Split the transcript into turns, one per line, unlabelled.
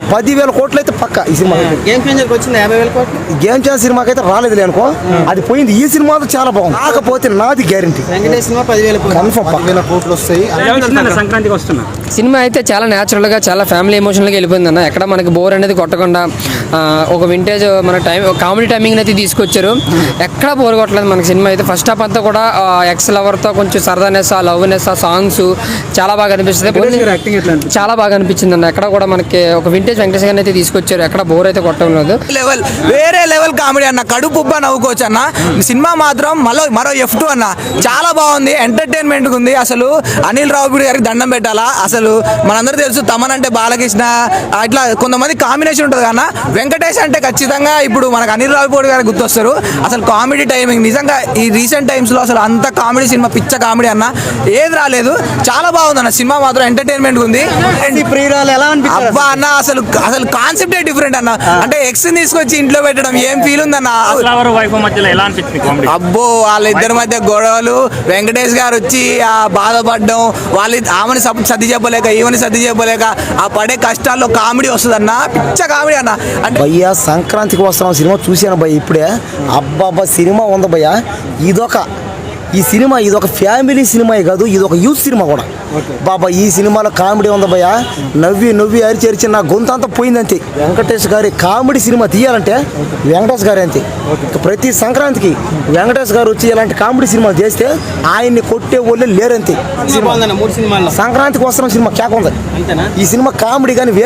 10,000 కోట్లు అయితే పక్క ఈ సినిమా.
గేమ్ చేంజర్కి వచ్చింది 50,000 కోట్లు.
గేమ్ చేంజర్ సినిమాకి అయితే రాలేదు అనుకో, అది పోయింది. ఈ సినిమాతో చాలా బాగుంది, కాకపోతే నాది గ్యారంటీ
వెంకటేష్ సినిమా 10,000 కోట్లు
కన్ఫర్మ్ 10,000 కోట్లు వస్తాయి.
సంక్రాంతికి వస్తున్నా
సినిమా అయితే చాలా న్యాచురల్గా, చాలా ఫ్యామిలీ ఎమోషనల్గా వెళ్ళిపోయింది అన్న. ఎక్కడ మనకి బోర్ అనేది కొట్టకుండా ఒక వింటేజ్ మన కామెడీ టైమింగ్ అయితే తీసుకొచ్చారు. ఎక్కడ బోర్ కొట్టలేదు మనకి సినిమా అయితే. ఫస్ట్ హాఫ్ అంతా కూడా ఎక్స్ లవర్తో కొంచెం సరదానెస్, లవ్నెస్, సాంగ్స్ చాలా బాగా అనిపిస్తుంది. చాలా బాగా అనిపించింది అన్న. ఎక్కడ కూడా మనకి ఒక వింటేజ్ వెంకటేష్ గారిని అయితే తీసుకొచ్చారు. ఎక్కడ బోర్ అయితే కొట్టలేదు.
లెవెల్ వేరే లెవెల్ కామెడీ అన్న, కడుపు ఉబ్బా నవ్వుకోవచ్చు అన్న. సినిమా మాత్రం మరో F2 అన్న, చాలా బాగుంది, ఎంటర్టైన్మెంట్ ఉంది. అసలు అనిల్ రావుపూడి గారికి దండం పెట్టాలా. అసలు మనందరూ తెలుసు తమన్ అంటే బాలకృష్ణ, ఇట్లా కొంతమంది కాంబినేషన్ ఉంటుంది కన్నా, వెంకటేష్ అంటే ఖచ్చితంగా ఇప్పుడు మనకు అనిల్ రావుపూడి గారికి గుర్తొస్తారు. అసలు కామెడీ టైమింగ్ నిజంగా ఈ రీసెంట్ టైమ్స్ లో అసలు అంత కామెడీ సినిమా, పిచ్చ కామెడీ అన్న, ఏది రాలేదు. చాలా బాగుంది అన్న సినిమా మాత్రం, ఎంటర్టైన్మెంట్ ఉంది. అబ్బా అన్న, అసలు కాన్సెప్టే డిఫరెంట్ అన్న. అంటే ఎక్స్ తీసుకొచ్చి ఇంట్లో పెట్టడం ఏం ఫీల్ ఉందన్న. అబ్బో వాళ్ళిద్దరి మధ్య గొడవలు, వెంకటేష్ గారు వచ్చి ఆ బాధపడడం, ఆమెను సర్ది చెప్పలేక ఈమెని సర్ది చెప్పలేక ఆ పడే కష్టాల్లో కామెడీ వస్తుందన్న, పిచ్చ కామెడీ అన్న. అంటే
భయ్యా సంక్రాంతికి వస్తున్నాం సినిమా చూశాను భయ్య ఇప్పుడే. అబ్బాబ్బా సినిమా ఉంది భయ్యా. ఈ సినిమా ఇదొక ఫ్యామిలీ సినిమా కాదు, ఇదొక యూత్ సినిమా కూడా. బాబా ఈ సినిమాలో కామెడీ ఉంది భయ్యా. నవ్వి అరిచి నా గొంతు అంతా పోయింది అంతే. వెంకటేష్ గారి కామెడీ సినిమా తీయాలంటే వెంకటేష్ గారి అంతే. ప్రతి సంక్రాంతికి వెంకటేష్ గారు వచ్చి ఇలాంటి కామెడీ సినిమా చేస్తే ఆయన్ని కొట్టే వాళ్ళు లేరంతే.
సంక్రాంతికి
సంక్రాంతికి వస్తున్న సినిమా కేక ఉంది. ఈ సినిమా కామెడీ కానీ